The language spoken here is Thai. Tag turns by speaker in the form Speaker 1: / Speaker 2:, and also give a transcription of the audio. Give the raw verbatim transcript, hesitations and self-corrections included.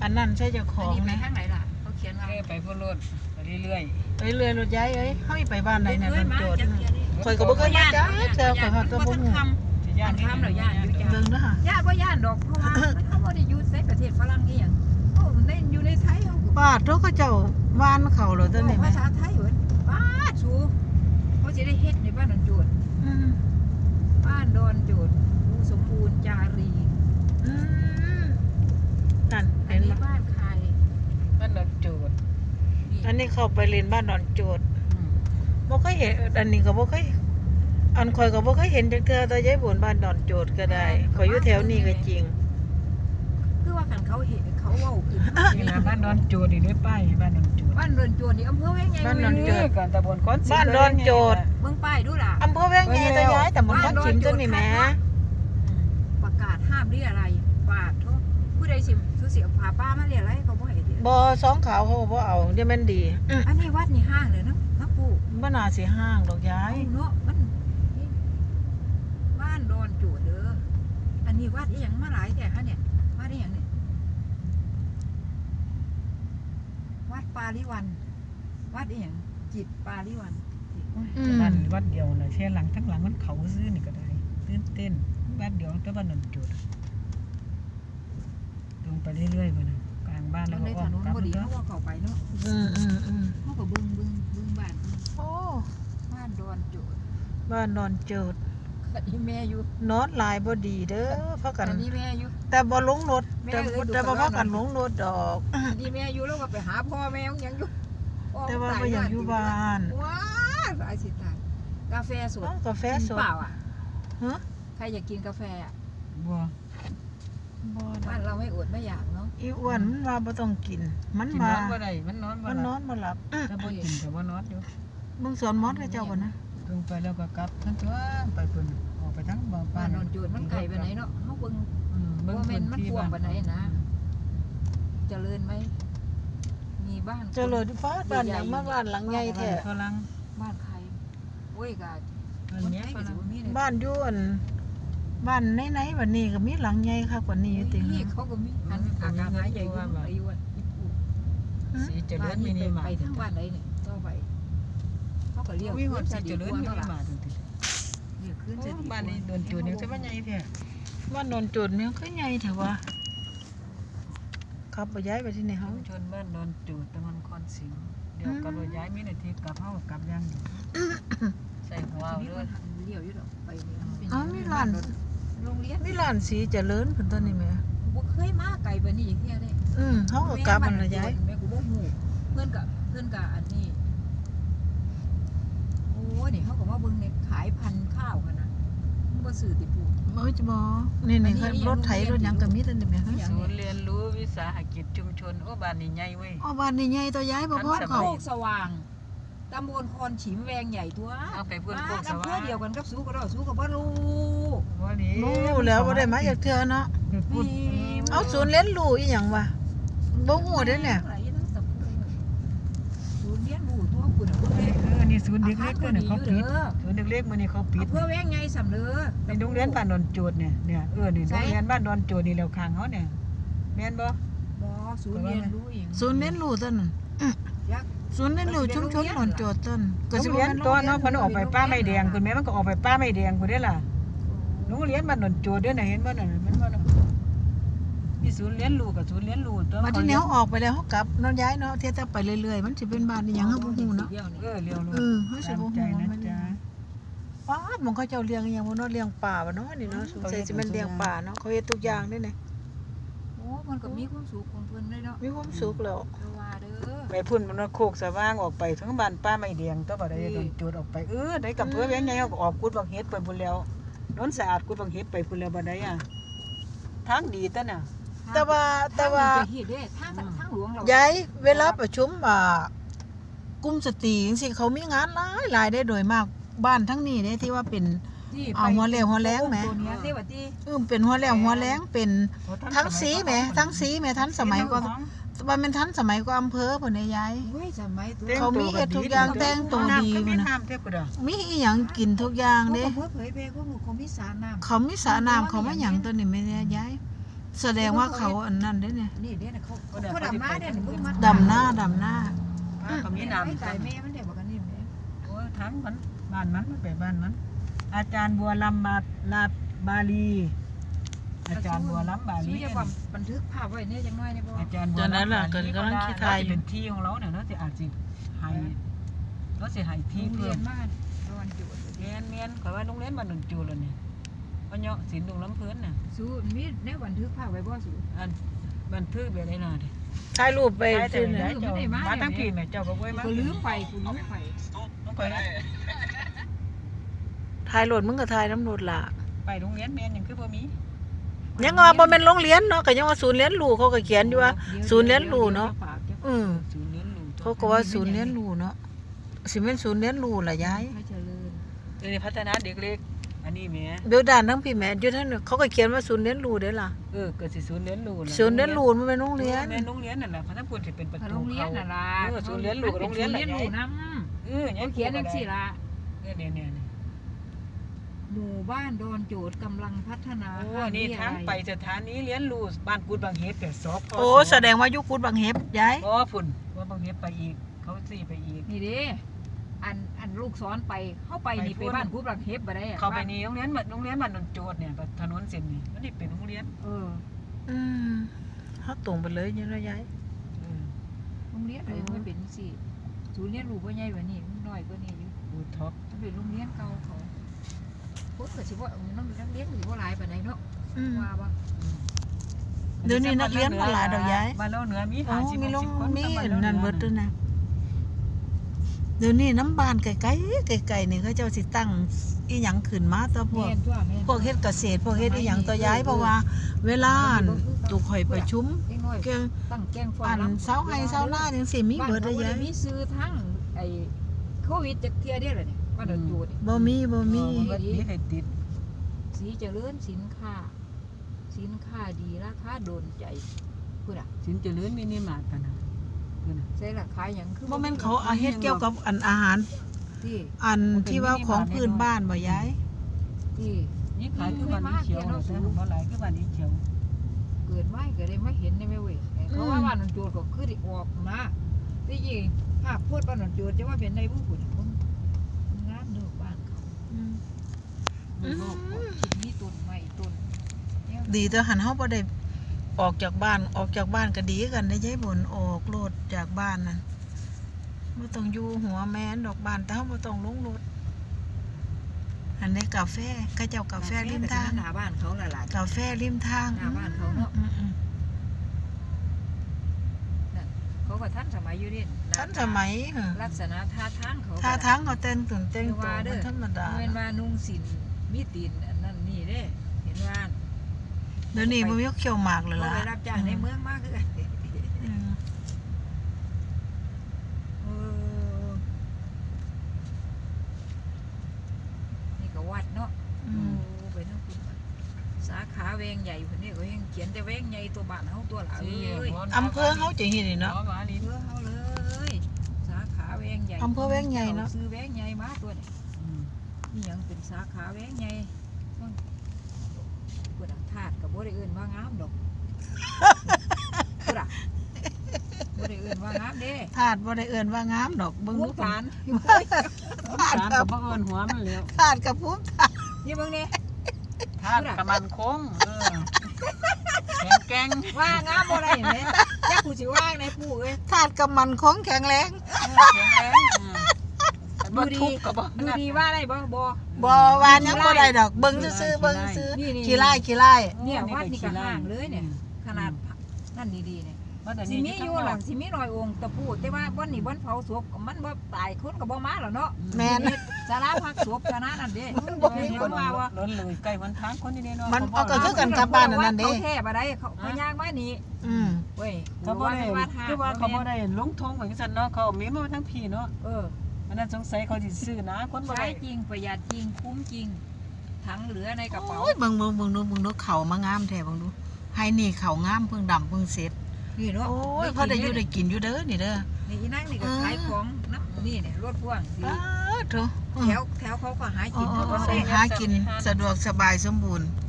Speaker 1: อันนั้นใช่เจ้าของ
Speaker 2: ไป
Speaker 1: นะ
Speaker 2: ทางไหนล่ะเขาเขียนว่า
Speaker 3: ไปพุ่นรถไปเรื่อย
Speaker 1: ไปเรื่อยรถย้ายเอ้ยเฮาไปบ้านไหนน่ะ
Speaker 2: เคย
Speaker 1: มัน
Speaker 2: มา
Speaker 1: โจทย์
Speaker 2: จักเที่ยนี่
Speaker 1: ข่อยก็บ่เคยมาจ้าเจ้าข่อยฮอดตัวบ่ฮู้
Speaker 3: ๆ
Speaker 2: ย่านทำเหรอย่านอยู่จ้ะ
Speaker 1: เบิ่งเด้อค่ะ
Speaker 2: ย่านบ่ย่านดอกเพราะว่าเขาบ่ได้อยู่ในประเทศฝรั่งอีหยังโอ้ในอยู่ในไทยเฮา
Speaker 1: ป้าโตเขาเจ้าว่านเขาเหรอตัวนี้
Speaker 2: ภา
Speaker 1: แม่
Speaker 2: ษาไทยเบิดป้าสูเขาสิได้เฮ็ดในบ้านดอนโจด
Speaker 1: อืม
Speaker 2: บ้านดอนโจดภูสมบูรณ์จารี
Speaker 1: อืมนั่น
Speaker 2: อั
Speaker 1: เห็
Speaker 2: น
Speaker 1: น
Speaker 2: นี้
Speaker 1: บ่
Speaker 2: บ้านใคร
Speaker 3: บ้านดอนโจด
Speaker 2: นี่
Speaker 1: อันนี้เข้าไปเรียนบ้านดอนโจทย์บ่เคยเห็นอันนี้ก็บ่เคยอันข่อยก็บ่เคยเห็นจักเทื่อตัวยายบุญบ้านดอนโจทย์ก็ได้ข่อยอยู่แถวนี้ก็จริง
Speaker 2: คือว่าคันเขาเห็นเขาเว้าขึ้น
Speaker 3: นี่นะบ้านดอนโจดนี่ได้ป้ายบ้านดอนโจด
Speaker 2: บ้านดอนโจดนี่อำเภอแว้งใหญ่
Speaker 1: บ้านดอนโจด
Speaker 3: กันตะบนก้อน
Speaker 1: บ้านดอนโจด
Speaker 2: เบิ่งป้ายดูล่ะ
Speaker 1: อำเภอแว้งใหญ่ตัวยายแต่มันก็ชิมตัวนี่แหม
Speaker 2: ประกาศห้ามเรียอะไรปาดโทษผู้ใดสิสุสิเอาพาป้ามาเรียอะไรเขาบ่ให้เรีย
Speaker 1: บ่สองขาวเขาบ่เอาเดี๋ยวมันดี
Speaker 2: อันนี้วัดนี่ห้างเลยเนาะนะปู่
Speaker 1: บ่น่าสิห้างดอกยา
Speaker 2: ไอ้
Speaker 1: ย
Speaker 2: เนาะมันนี่บ้านดอนโจดเด้ออันนี้วัดอีหยังมาหลายแต่ฮะเนี่ยวัดอีหยังเนี่ยวัดปาลิวัน วัดอีหยังจิตปาลิวัน
Speaker 3: บ้านวัดเดียวน่ะเช่หลังทั้งหลังมันเขาซื้อนี่ก็ได้ตื่นเต้นบ้านเดียวแต่บ้านดอนโจดลงไปเรื่อยๆไปนะกลางบ้าน
Speaker 2: ต
Speaker 3: แล้
Speaker 2: อ
Speaker 3: วน ก็
Speaker 2: ใน
Speaker 3: อ้
Speaker 2: ถ
Speaker 3: อม
Speaker 2: นน
Speaker 3: กลับ
Speaker 2: พอดี
Speaker 3: ก็
Speaker 2: เขาว่าเข้าไปเนาะ
Speaker 1: อืมอืมอืม
Speaker 2: เขาก็เบิ่งเบิ่งเบิ่งบ้าน
Speaker 1: โอ้
Speaker 2: บ้านดอนโจด
Speaker 1: บ้านดอนโจทย์
Speaker 2: อันนี้แม่อยู่
Speaker 1: นอนหลายบ่ดีเด้อพากัน
Speaker 2: อันนี้แม่อยู่
Speaker 1: แต่บ่ลงรถ
Speaker 2: แม่
Speaker 1: แต่
Speaker 2: เอ้ยดู
Speaker 1: แต่บ่
Speaker 2: กันว่า
Speaker 1: พากันลงรถดอก
Speaker 2: อันนี้แม่อยู่แล้วก็ไปหาพ่อแม่ยังอยู่
Speaker 1: แต่ว่าบ่อยากอยู่บ้าน
Speaker 2: ว้าวสายสิตายกาแฟสด
Speaker 1: อ้าวกาแฟส
Speaker 2: กิน
Speaker 1: ด
Speaker 2: เปล่าอ่ะ
Speaker 1: ฮะ
Speaker 2: ใครอยากกินกาแฟอ่ะ
Speaker 3: บัว
Speaker 1: บ่ดอ
Speaker 2: บ้าน
Speaker 1: ก
Speaker 2: เราไม่อดไม่อยากเนาะ
Speaker 1: อีอ้วนมันว่าบ่ต้องกิน มัน
Speaker 3: กิน
Speaker 1: มาน
Speaker 3: อนบ่ได้มันนอนบ่
Speaker 1: มัน
Speaker 3: ห
Speaker 1: น
Speaker 3: ลั
Speaker 1: อบ นบ่หลับ
Speaker 3: ถ้าบ่กินก็บ่นอนอยู่
Speaker 1: มึงสอนมอดกับเจ้าบ่นะ
Speaker 3: ลงไปแล้วก็กลับทั้งตัวไปพุ่นออกไปทั้งบ่
Speaker 2: บ้านนอนจูดมันไก่ไปไหนเนาะเขาเบิ่ง
Speaker 3: อืม
Speaker 2: ว่าแม่นมัน
Speaker 3: พื้
Speaker 2: กว้าง
Speaker 3: บ้
Speaker 2: ปานใดนะ เจริญไหมมีบ้าน
Speaker 1: เจริญฟ้าบ้านหลังมาบ้านหลังใหญ่แท้
Speaker 3: ฝรั่ง
Speaker 2: บ้านใครโอ้ยกะ
Speaker 3: อัน
Speaker 2: คน
Speaker 3: เนี้ย
Speaker 2: ไทย
Speaker 3: ฝ
Speaker 2: ก็สิ
Speaker 3: รั่ง
Speaker 2: บ่มีเลย
Speaker 1: บ้านอยู่อันบ้านไหนๆบัดนี้ก็มีหลังใหญ่คักกว่านี้อยู่ติ
Speaker 2: นี่เขาก็มีอันอากาศหายใจอยู่ไปอยู่อ่ะ
Speaker 3: สีเจริญมินิมาร์
Speaker 2: ไป
Speaker 3: ท
Speaker 2: ทางบ้านไหนเนี่ยต่อไปเขาก็เรียก
Speaker 3: วิ่งหอด
Speaker 2: ขึ้
Speaker 3: สี
Speaker 2: น
Speaker 3: เจ
Speaker 2: จะ
Speaker 3: ริ
Speaker 2: ดี
Speaker 3: ญ
Speaker 2: กว่า
Speaker 3: มิ
Speaker 2: เท่า
Speaker 3: นิ
Speaker 2: ไหร่
Speaker 3: มาร์ทจริง
Speaker 2: เรียกขึ้นจะดี
Speaker 3: ๆบ้านนี้โดนจูดเนี่ยจะว่าใหญ่แท้
Speaker 1: บ้านดอนโจทย์มันคือใหญ่แท้วะขับไปย้ายไปที่ไหนเฮา
Speaker 3: ชุมชนบ้านโดนจูดตะมันคอนสิงเดี๋ยวก็รย้ายมีนาทีกลับเฮากลับยังอยู่ใส่หัวเอา
Speaker 2: นี่
Speaker 3: เล
Speaker 2: มั
Speaker 3: ย
Speaker 2: นเลี้ยวอยู่ดอกไปนี่มันเป็น
Speaker 1: อ้าวมีร้าน
Speaker 2: โรงเรียน
Speaker 1: มีร้านสีเจริญเพิ่นตัวนี้แหม
Speaker 2: บ่เคยมาไกลปานนี้อย่างเงี้ยเด้
Speaker 1: อืมเฮาก็กลับมันละย้าย
Speaker 2: แม่กูบ่ฮู้เพื่อนกับเพื่อนกับอันนี้โอ้ยนี่เขาก็มาเบิ่งในขายพันธุ์ข้าวกันนะมันบ่ซื้อติปู
Speaker 1: โอ้ยจะบ่นี่นี่ครับรถไถรถหยังก็มีตัวนี้แหมฮะ
Speaker 3: ศูนย์เรียนรู้วิสาหกิจชุมชนโอ้บ้านนี้ใหญ่เว้ย
Speaker 1: อ๋อบ้านนี่ใหญ่ตัวย้ายบ่พอ
Speaker 3: ทันสมั
Speaker 1: เขา
Speaker 3: ย
Speaker 2: โคกสว่างตำบลคอนฉิมแวงใหญ่ตัว
Speaker 3: เอาไปพุ่นโคกส
Speaker 2: อำเภ
Speaker 3: ว่า
Speaker 2: อเดียวกันกับสู้ก็ได้สู้ก็บ่รู้
Speaker 3: ว่าดี
Speaker 1: รู้แล้วบ่ได้มาจากเทื่อเนาะ
Speaker 3: พูด
Speaker 1: เอาศูนย์เรียนรู้อีหยังวะบ่ฮู้เด้อเนี่ย
Speaker 2: ศูนย์เรียนรู้ตัวคุณน่ะ
Speaker 3: เออนี่ศูนย์เด็กเล็กตัวเนี่ยเขาปิดศูนย์เด็กเล็กมันนี่เขาปิด
Speaker 2: อำเภอแวงใหญ่สำเร็จ
Speaker 3: ในโรงเรียนบ้านดอนโจดเนี่ยเนี่ยเออนี่โรงเรียนบ้านดอนโจดนี่แล้วข้างเขาเนี่ยแม่นบ่
Speaker 2: บ่ศูนย์เรียนรู้เอง
Speaker 1: ศูนย์เรียนรู้ต้นนั้น
Speaker 2: ยักษ์
Speaker 1: ศูนย์เรียนรู้ชุมชนหนอนโจทย์ต้น
Speaker 3: โรงเรียนตัวเนาะเพิ่นออกไปป้าไม่แดงคุณแม่มันก็ออกไปป้าไม่แดงคุณได้ล่ะโรงเรียนบ้านดอนโจดเด้อน่ะเห็นบ่นั่นมันบ่น่ะมีศูนย์เรียนรู้กับศูนย์เรียนรู้ตัว
Speaker 1: มาที่แนวออกไปแล้วเฮากลับเนาะย้ายเนาะเที่ยวแต่ไปเรื่อยๆมันสิเป็นบ้านอีหยังเฮาบ่ฮู้เนาะ
Speaker 3: เออเร็วรู้
Speaker 1: เออเฮาสิ
Speaker 3: ตาม
Speaker 1: บ่
Speaker 3: ใจ
Speaker 1: ฮู้
Speaker 3: นะ
Speaker 1: มัน
Speaker 3: จ๊ะ
Speaker 1: ป้าดหมองเขาเจ้าเลี้ยงอีหยังบ่เนาะเลี้ยงป่าบ่เนาะนี่เนาะสงสัยสิแม่นเลี้ยงป่าเนาะเขาเฮ็ดทุกอย่างเด้เนี่ย
Speaker 2: โอ้มันก็มีความสุขของเพิ่นเลยเนาะ
Speaker 1: มีความสุขแล้ว
Speaker 2: เด้อว่าเด้อ
Speaker 3: ไปพุ่นมันว่าโคกสว่างออกไปทั้งบ้านป้าไม่แดงตัวบ่ได้โดนโจดออกไปเออได้กับเพื่อแว้งไงเขาก็ออกกุดบักเฮ็ดไปพุ่นแล้วนนสะอาดกุดบักเฮ็ดไปพุ่นแล้วบ่ได้อ่ะทางดีตะน่ะ
Speaker 1: แต่ว่าแต่ว่า
Speaker 2: ทงนี้จะเฮ็ดเด้ทางทางหลวงเรา
Speaker 1: ย้ายเวลาประชุมอ่ากลุ่มสตรีจังซี่เขามีงานหลายหลายได้โดยมากบ้านทั้งนี้เด้ที่ว่าเป็น
Speaker 2: ที่
Speaker 1: เอาหัวเลี้ยวหัวแรงแหม
Speaker 2: ตัวเนี้ยที่ว่าที่
Speaker 1: เออเป็นหัวแล้วหัวแรงเป็นทั้งสีแหมทั้งสีแหมทันสมัยก็ว่ามันทันสมัยก็อำเภอพุ่นเนี่ยยาย
Speaker 2: เฮ้ยสมัยตัว
Speaker 1: เขามีเฮ็ดทุกอย่างแต่งตัวดี
Speaker 3: มั
Speaker 1: มัน น
Speaker 3: น่ะ
Speaker 1: น่ะ
Speaker 3: น้ำเท่ากูดอก
Speaker 1: มีอีหยังกินทุกอย่าง
Speaker 2: เขา
Speaker 1: เด้
Speaker 2: ก็เผยแพร่ข้อมูลเขามีสารน้ำ
Speaker 1: เขามีสระน้ำเขามาหยังตัวนี้แม่เนี่ยยายแสดงว่าเขาอันนั้นได้เนี่ย
Speaker 2: นี่เด้น่ะเขาเขาดำหน้าเด้นี่มึงมา
Speaker 1: ดำหน้าดำหน้า
Speaker 3: ป้าก็มี
Speaker 2: ไอ้
Speaker 3: น้ำ
Speaker 2: ไก่แม่มันได้บอกกันนี่แม่
Speaker 3: โอ้ยทั้งมันบ้านมันมันไปบ้านมัน อาจารย์บัวลำบาลาบาลี อาจารย์บัวลำบาลี
Speaker 2: ซื้อจะความบันทึกภาพไว้เนี่ยจังน้อยนี่บ่
Speaker 3: อาจารย์บัว
Speaker 1: ตอนนั้น
Speaker 3: ลำ
Speaker 1: ล่ะ
Speaker 3: บา
Speaker 1: ก็
Speaker 3: ลี
Speaker 1: กำลังคิดทายอยู่
Speaker 3: เป็นที่ของเราเนี่ยเนาะสิอาจสิให้เราสิให้ที่
Speaker 2: โรง
Speaker 3: เพิ่
Speaker 2: เรีย
Speaker 3: ม
Speaker 2: นบ้านดอนจุด
Speaker 3: เมียนเมียนข่อยว่าโรงเรียนบ้านหนุนจูแล้วนี่พ่อเนาะศิลป์ดงลำเพิ่นน่ะ
Speaker 2: สู้มีแนวบันทึกภาพไว้บ่สู้
Speaker 3: อันบันทึกแบบไหนน่ะดิ
Speaker 1: ถ่ายรูปไป
Speaker 3: ได้แต่
Speaker 1: ที่
Speaker 3: ไหน
Speaker 1: ไหน
Speaker 3: เจ้ามาทั้งพี่แม่เจ้าก็ไว้มา
Speaker 2: กูลืมไปกูลืมไป
Speaker 3: ต้องไปนะ
Speaker 1: ถ่ายรถมึงก็ถ่ายน้ำรถล่ะ
Speaker 3: ไปโรงเรียนแม่นยังคือบ่มี
Speaker 1: ยังว่าบ่แม่นโรงเรียนเนาะก็ยังว่าศูนย์เรียนรู้เขาก็เขียนอยู่ว่า ศูนย์เรียนรู้เนาะ อือ
Speaker 3: ศูนย์เรียนรู้
Speaker 1: เขาก็ว่าศูนย์เรียนรู้เนาะสิเป็นศูนย์เรียนรู้ล่ะยาย
Speaker 2: ให้เจริญ
Speaker 3: เดี๋ยวนี้พัฒนาเด็กเล็กอันนี้แม่
Speaker 1: เดี๋ยวด้านทั้งพี่แม่อยู่ท่านนเขาก็เขียนว่าศูนย์เรียนรู้เด้อล่ะ
Speaker 3: เออเกิดสิศูนย์เรียนรู้
Speaker 1: ศูนย์เรียนรู้มันเป็นโรงเรียน
Speaker 3: แม่โรงเรียนนั่นแหละเพราะถ้าพูดสิเป็นประตู
Speaker 2: โรงเรียน
Speaker 3: เข้า
Speaker 2: น่ะล่ะ
Speaker 3: เออศูนย์เรียนรู้กับโรงเรียน
Speaker 2: เรียนรู้น
Speaker 3: เออ
Speaker 2: ำเขาเขียนจังซี่ล่ะ
Speaker 3: เนี่ยเนี่ยเนี่ย
Speaker 2: หมู่บ้านดอนโจดกำลังพัฒนา
Speaker 3: โอ้นี่ทางไปสถานีเรียนรู้บ้านกุดบางเฮ็ดแต่สพ
Speaker 1: โอ้แสดงว่ายุคกุดบางเฮ็บยาย
Speaker 3: บ่พุ่นว่าบางเฮ็ดไปอีกเขาสิไปอีก
Speaker 2: นี่เด้อันอันลูกสอนไปเข้าไปนี่ไปบ้านกูบลังเฮ็บบ่ได้อะ
Speaker 3: เข้าไปนี่โรงเรียนโรงเรียนบ้านนนโจทย์เนี่ยถนนเส้นนี้มันนี่เป็นโรงเรียน
Speaker 2: เออ
Speaker 1: อืมเฮาตรงไปเลยนี่เนาะยาย
Speaker 3: เออ
Speaker 2: โรงเรียนเลยมันเป็นสิศูนย์เรียนรู้บ่ใหญ่กว่านี้มันน้อยกว่านี้อยู่
Speaker 3: บูท็อป
Speaker 2: มันเป็นโรงเรียนเก่าเขาพุทธก็สิว่าน้องนักเรียนก็สิบ่หลายปานใดเนาะ
Speaker 1: อืม
Speaker 2: ว่าบ่
Speaker 1: เดี๋ยวนี้นักเรียนบ่หลายดอกยาย
Speaker 3: บ้านเราเหนือมี
Speaker 1: อ๋อ
Speaker 3: ห้าสิบ
Speaker 1: มีลง
Speaker 3: หกสิบคน
Speaker 1: มี
Speaker 3: บ้ารา
Speaker 1: นั่นเบิดด้วยนะเดี๋ยวนี้น้ำบานไกลๆไกลๆนี่เขาเจ้าสิตั้งอีหยังขึ้นมาตัวพวก
Speaker 2: แม่นตัวแม่น
Speaker 1: พวกเฮ็ดเกษตรพวกเฮ็ดอีหยังตัวย้ายเพราะว่า เวลาตุกข่อยประชุม
Speaker 2: เด็กน้อย
Speaker 1: เกี่ยว
Speaker 2: ตั้งแกงฟ
Speaker 1: อันเสาไห้เสาหน้าจังซี่มี
Speaker 2: บ้าน
Speaker 1: เบิด
Speaker 2: เขา
Speaker 1: ได้
Speaker 2: บ่
Speaker 1: ยา
Speaker 2: ได้
Speaker 1: ย
Speaker 2: มีซื้อทั้งไอ้โควิดจักเที่ยเด้อล่ะนี่บ้านดอนโจดนี่
Speaker 1: บ่มีบ่มี
Speaker 3: เบิดนี้ให้ติด
Speaker 2: สีเจริญสินค้า สินค้าดีราคาโดนใจพูดอ่ะ
Speaker 3: สินเจริญมินิมาร์ทกันนะเพิ่นน่ะ
Speaker 2: ใส่ราคาหยังคือ
Speaker 1: บ่แม่นเขาเอาเฮ็ดเกี่ยวกับอันอาหาร
Speaker 2: ที่
Speaker 1: อันที่ว่าของพื้นบ้านบ่ยาย
Speaker 2: ที่
Speaker 3: นี่ขายคือบ้านนี้เขียวแต่บ่หลายคือบ้านนี้เขียว
Speaker 2: เกิดไม่ก็ได้มาเห็นได้ไหมเว้ยเขาว่าบ้านนนโจดก็คือได้ออกนะที่จริงภาพโพดบ้านนนโจดจะว่าเป็นในผู้ผู้น่ะมันมันงามเด้อบ้านเขา
Speaker 1: อืม
Speaker 2: มันโลกชิ้นนี้ต้นไม้ต้นเนี่ย
Speaker 1: ดีแต่หันเฮาบ่ได้ออกจากบ้านออกจากบ้านก็ดีกันได้ยายบ่นออกรถจากบ้านนั่นบ่ต้องอยู่หัวแม่นดอกบ้านแต่เฮาบ่ต้องลงรถอันนี้กาแฟเขาเจ้ากาแฟริมทาง
Speaker 2: หน้าบ้านเขาละล่ะ
Speaker 1: กาแฟริมทาง
Speaker 2: หน้าบ้านเขาเนาะ
Speaker 1: อืมอืม
Speaker 2: เขาก็ทันสมัยอยู่ดิ
Speaker 1: ทันสมัยเหรอ
Speaker 2: ลักษณะท่าทางเขาก็
Speaker 1: ท่าทางเขาแต่งตื่นแต่งตัวมันธรรมดา
Speaker 2: เว้นว่านุ่งสินมีตีนอันนั้นนี่เด้เห็นว่า
Speaker 1: เดี๋ยวนี้มันมีเขียวหมากเลย
Speaker 2: เขา
Speaker 1: ล่ะ
Speaker 2: ไปรับจ้างในเมืองมากคือกัน
Speaker 1: อืม
Speaker 2: เออนี่ก็วัดเนาะ
Speaker 1: อืม
Speaker 2: โอ้ไปทั้งคุณสาขาแวงใหญ่คนนี้ก็ยังเขียนแต่แวงใหญ่ตัวบ้านเฮาตัวละเอ้ย
Speaker 1: อำเภอเขาจะเห็นนี่เนาะ
Speaker 3: อ๋อมานี่
Speaker 2: เพื่อเฮาเลยสาขาแวงใหญ่
Speaker 1: อำเภอแวงใหญ่เนาะ
Speaker 2: ซื้อแวงใหญ่มาตัวนี้
Speaker 3: อืม
Speaker 2: นี่ยังเป็นสาขาแวงใหญ่เบิ่งเปิดธาตุกับบ่ได้เอื่นว่างามดอกเปิดอะบ่ได้เอื่นว่างามเด้
Speaker 1: ธาตุบ่ได้เอิ้นว่างามดอกเบิ่ง
Speaker 2: ภู
Speaker 1: ดู
Speaker 2: มิฐาน
Speaker 3: สารกับบ่เอิ้นหัวมันแล้ว
Speaker 1: ธาตุกับภูมิ
Speaker 2: นี่เบิ่งนี่
Speaker 3: ทาดกับมันคงเออแข็งแกร่ง
Speaker 2: ว่างามบ่ได้เห็นไหมจักกูสิว่างในปู่เอ้ย
Speaker 1: ธาตุกับมันคงแข็งแรง
Speaker 3: แข็งแรงอืมบ่ทุกข์ก็บ่
Speaker 2: ดูดีว่าได้บ่บ่
Speaker 1: บ่ว่าหยังบ่ได้ดอกเบิ่งซื่อๆเบิ่งซื่อ
Speaker 2: นี่นี่
Speaker 1: ขี้ไล่ขี้ไล่
Speaker 2: เนี่ยวัดนี่ก็ห่างเลยเนี่ยขนาดนั่นดีๆเนี่ย
Speaker 3: ว่าแต่
Speaker 2: สิ
Speaker 3: นี่
Speaker 2: มีอยู่หลังสิมีรอยองค์ตะปูแต่ว่าบ่อนนี่บ่อนเผาศพมันบ่ตายคนก็บ่มาแล้วเนาะ
Speaker 1: แม่น
Speaker 2: สาราพักศพสารานั่นเด้
Speaker 1: มันบ่มี
Speaker 2: มี
Speaker 1: ค
Speaker 2: คน นว่าว่า
Speaker 3: ล้นเลยใกล้วันทางคนนี่เนาะ
Speaker 1: มันเอาก็คือกันกับบ้านอันนั้นเด้
Speaker 2: เขาแท้บ่ได้เขาเขาย่างมานี่
Speaker 1: อืม
Speaker 2: เว้ย
Speaker 3: เขาบ่ได้คือว่าเขาบ่ได้ลงทงเหมือนกันเนาะเขามีมาทั้งพี่เนาะ
Speaker 2: เออ
Speaker 3: อันนั้นสงสัยเขาสิซื้อนะคนบ่
Speaker 2: ใช้
Speaker 3: ได้
Speaker 2: จริงประหยัดจริงคุ้มจริงถังเหลือในกระเป๋า
Speaker 1: โอ้ยเบิ่งเบิ่งเบิ่งดูเบิ่งดูเขามางามแท้เบิ่งดูให้นี่เขางามเพิ่งดำเพิ่งเสร็จ
Speaker 2: นี่เนาะ
Speaker 1: โอ้ยพอได้อยู่ได้กินอยู่เด้อนี่เด้อ
Speaker 2: นี่อีนั่งนี่ก็ขายของนะนี่เนี่ยรถพ่วงสิ
Speaker 1: อ้าวโถ
Speaker 2: แถวแถวเขาก็หา
Speaker 1: อ๋
Speaker 2: กิน
Speaker 1: อ
Speaker 2: เขาก็
Speaker 1: ๆ
Speaker 2: ได้
Speaker 1: ๆหากินสะดวกสบายสมบูรณ์
Speaker 2: เ